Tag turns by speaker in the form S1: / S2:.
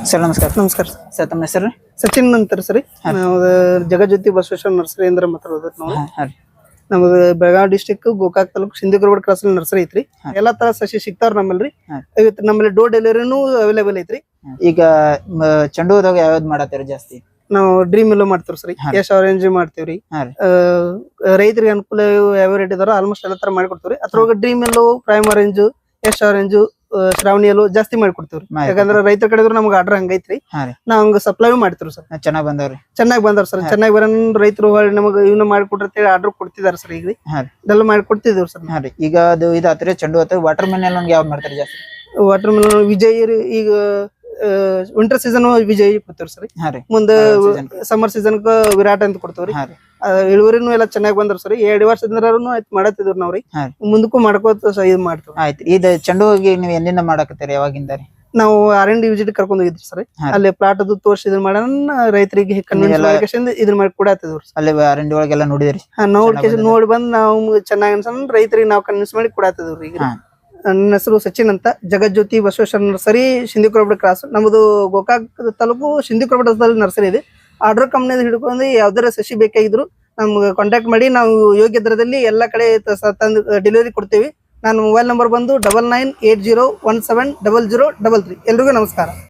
S1: Sir ನಮಸ್ಕಾರ.
S2: ನಮಸ್ಕಾರ
S1: sir ತಮ್ಮ ಹೆಸರು?
S2: ಸಚಿನ್ ಅಂತಾರೆ ಸರಿ. ನಾವು ಜಗಜ್ಯೋತಿ ಬಸವೇಶ್ವರ ನರ್ಸರಿ ಅಂದ್ರೆ ಮಾತಾಡೋದು ನಾವು. ನಮ್ದು Belagavi district Gokak taluk Sindhigurabad cross nursery ಐತ್ರಿ. ಎಲ್ಲಾ ತರ ಸಸಿ ಸಿಗ್ತಾವ್ರ ನಮ್ಮಲ್ರಿ. ಇವತ್ತು ನಮ್ಮಲ್ಲಿ ಡೋರ್ ಡೆಲಿವರಿನೂ ಅವೈಲೇಬಲ್ ಐತ್ರಿ.
S1: ಈಗ ಚೆಂಡು ಹೂದಾಗ ಯಾವ್ದು ಮಾಡತ್ತೀರಿ ಜಾಸ್ತಿ?
S2: ನಾವು ಡ್ರೀಮ್ ಎಲ್ಲೋ ಮಾಡ್ತೀವಿ ಸರಿ, ಯಶ್ ಆರೆಂಜ್ ಮಾಡ್ತೀವ್ರಿ. ರೈತರಿಗೆ ಅನುಕೂಲ ಯಾವ ರೇಟ್ ಇದಾರೋ ಆಲ್ಮೋಸ್ಟ್ ಎಲ್ಲ ತರ ಮಾಡ್ಕೊಡ್ತೀವ್ರಿ. ಅದ್ರೊಳಗೆ dream yellow, prime orange, Yash orange, Shravani yellow ಜಾಸ್ತಿ ಮಾಡ್ಕೊಡ್ತೀವ್ರಿ. ಯಾಕಂದ್ರೆ ರೈತರ ಕಡೆ ನಮ್ಗೆ ಆರ್ಡರ್ ಹಂಗೈತ್ರಿ. ನಾವ್ ಹಂಗ ಸಪ್ಲೈ ಮಾಡ್ತೀವಿ ಸರ್.
S1: ಚೆನ್ನಾಗ್ ಬಂದವ್ರಿ?
S2: ಚೆನ್ನಾಗಿ ಬಂದವ್ರ ಸರ್. ಚೆನ್ನಾಗಿ ಬರೋ ರೈತರು ನಮಗ್ ಇವನ್ನ ಮಾಡ್ಕೊಟ್ರಿ ಆರ್ಡರ್ ಕೊಡ್ತಿದಾರ ಸರ್. ಈಗ ಇದೆಲ್ಲ ಮಾಡ್ಕೊಡ್ತಿದೇವ್ರಿ ಸರ್.
S1: ಈಗ ಅದು ಇದಾತ್ರಿ ಚೆಂಡು ಹತ್ತು. ವಾಟರ್ ಮೆಲನ್ ಯಾವ್ದು ಮಾಡ್ತಾರೆ ಜಾಸ್ತಿ?
S2: Water melon Vijay. ಈಗ ವಿಂಟರ್ ಸೀಸನ್ ವಿಜಯ್ ಕೊಡ್ತೇವ್ರಿ ಸರ್. ಮುಂದೆ ಸಮ್ಮರ್ ಸೀಸನ್ ವಿರಾಟ್ ಅಂತ ಕೊಡ್ತೇವ್ರಿ. ಇಳುವರಿನೂ ಎಲ್ಲ ಚೆನ್ನಾಗಿ ಬಂದ್ರ ಸರ್. 2 ವರ್ಷದಿಂದ ಮಾಡತ್ತಿದ್ವಿ ನಾವ್ರಿ. ಮುಂದಕ್ಕೂ ಮಾಡ್ಕೋತ ಇದ್ ಮಾಡ್ತೇವೆ.
S1: ಆಯ್ತು. ಇದು ಚೆಂಡು ಹೋಗಿ ನೀವು ಎಲ್ಲಿಂದ ಮಾಡಕತ್ತೀರಿ? ಯಾವಾಗಿಂದ ರೀ?
S2: ನಾವು R&D ವಿಸಿಟ್ ಕರ್ಕೊಂಡ್ ಹೋಗಿದ್ವಿ ಸರ್. ಅಲ್ಲಿ ಪ್ಲಾಟ್ ಅದು ತೋರ್ಸಿ ಇದನ್ ಮಾಡೋಣ ರೈತರಿಗೆ ಇದನ್ನ ಮಾಡಿ ಕೊಡತ್ತಿದ್ವಿ.
S1: ಅಲ್ಲಿ R&D ಒಳಗೆಲ್ಲ ನೋಡಿದ್ರಿ?
S2: ನೋಡಿ ಬಂದ್ ನಾವು ಚೆನ್ನಾಗಿ ಅನ್ಸಂದ್ ರೈತರಿಗೆ ನಾವು ಕನ್ವಿನ್ಸ್ ಮಾಡಿ ಕೊಡತ್ತಿದ್ವಿ. ಈಗ ನನ್ನ ಹೆಸರು ಸಚಿನ್ ಅಂತ, ಜಗಜ್ಯೋತಿ ಬಸವೇಶ್ವರ ನರ್ಸರಿ, ಸಿಂಧಿಗುರಬಾಡ್ ಕ್ರಾಸ್. ನಮ್ದು ಗೋಕಾಕ್ ತಾಲೂಕು ಸಿಂಧಿಗುರಬಾಡ್ ನರ್ಸರಿ ಇದೆ. ಆರ್ಡರ್ ಕಂಪ್ನಿ ಹಿಡ್ಕೊಂಡು ಯಾವ್ದಾರ ಸಸಿ ಬೇಕಾಗಿದ್ರು ನಮ್ಗೆ ಕಾಂಟ್ಯಾಕ್ಟ್ ಮಾಡಿ ನಾವು ಯೋಗ್ಯ ದರದಲ್ಲಿ ಎಲ್ಲಾ ಕಡೆ ತಂದು ಡೆಲಿವರಿ ಕೊಡ್ತೀವಿ. ನಾನು ಮೊಬೈಲ್ ನಂಬರ್ ಬಂದು 9980170033. ಎಲ್ರಿಗೂ ನಮಸ್ಕಾರ.